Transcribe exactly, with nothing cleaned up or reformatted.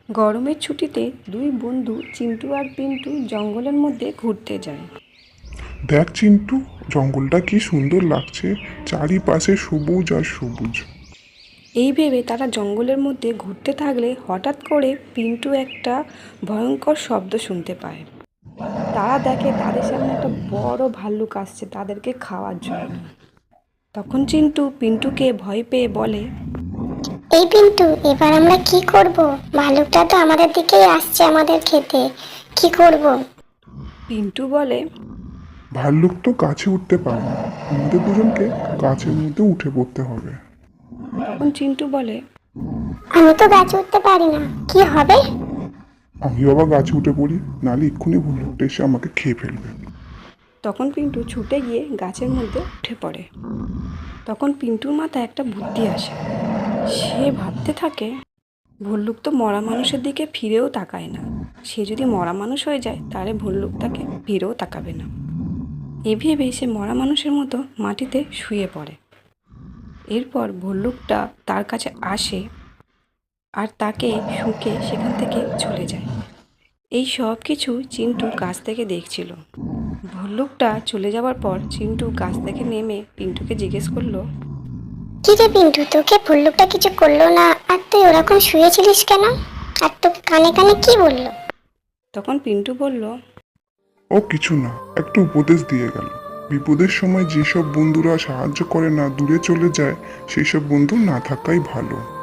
গরমের ছুটিতে দুই বন্ধু চিন্টু আর পিন্টু জঙ্গলের মধ্যে ঘুরতে যায়। দেখ চিন্টু, জঙ্গলটা কি সুন্দর লাগছে, চারিপাশে সবুজ আর সবুজ। এই ভেবে তারা জঙ্গলের মধ্যে ঘুরতে থাকলে হঠাৎ করে পিন্টু একটা ভয়ঙ্কর শব্দ শুনতে পায়। তারা দেখে তাদের সামনে একটা বড় ভাল্লুক আসছে তাদেরকে খাওয়ার জন্য। তখন চিন্টু পিন্টুকে ভয় পেয়ে বলে, এই পিন্টু, এবার আমরা কি করব? ভালুকটা তো আমাদের দিকেই আসছে আমাদের খেতে। কি করব? পিন্টু বলে, ভাল্লুক তো গাছে উঠতে পারে না, আমাদের দুজনকে গাছের মধ্যে উঠে পড়তে হবে। তখন চিন্টু বলে, আমি তো গাছে উঠতে পারি না, কি হবে? আমি বাবা গাছে উঠে পড়ি, নাহলে এক্ষুনি ভাল্লুকটা এসে আমাকে খেয়ে ফেলবে। তখন পিন্টু ছুটে গিয়ে গাছের মধ্যে উঠে পড়ে। তখন পিন্টুর মাথায় একটা বুদ্ধি আসে। সে ভাবতে থাকে, ভল্লুক তো মরা মানুষের দিকে ফিরেও তাকায় না। সে যদি মরা মানুষ হয়ে যায় তাহলে ভল্লুক তাকে ফিরেও তাকাবে না। এ ভেবে সে মরা মানুষের মতো মাটিতে শুয়ে পড়ে। এরপর ভল্লুকটা তার কাছে আসে আর তাকে শুঁকে সেখান থেকে চলে যায়। এই সব কিছু চিন্টু গাছ থেকে দেখছিল। ভল্লুকটা চলে যাওয়ার পর চিন্টু গাছ থেকে নেমে পিন্টুকে জিজ্ঞেস করলো, কি রে পিন্টু, তোকে ভল্লুকটা কিছু করলো না? আর তুই ওরকম শুয়েছিলিস কেন? আর তোকে কানে কানে কি বললো? তখন পিন্টু বলল, ও কিছু না, একটু উপদেশ দিয়ে গেল। বিপদের সময় যেসব বন্ধুরা সাহায্য করে না, দূরে চলে যায়, সেই সব বন্ধু না থাকাই ভালো।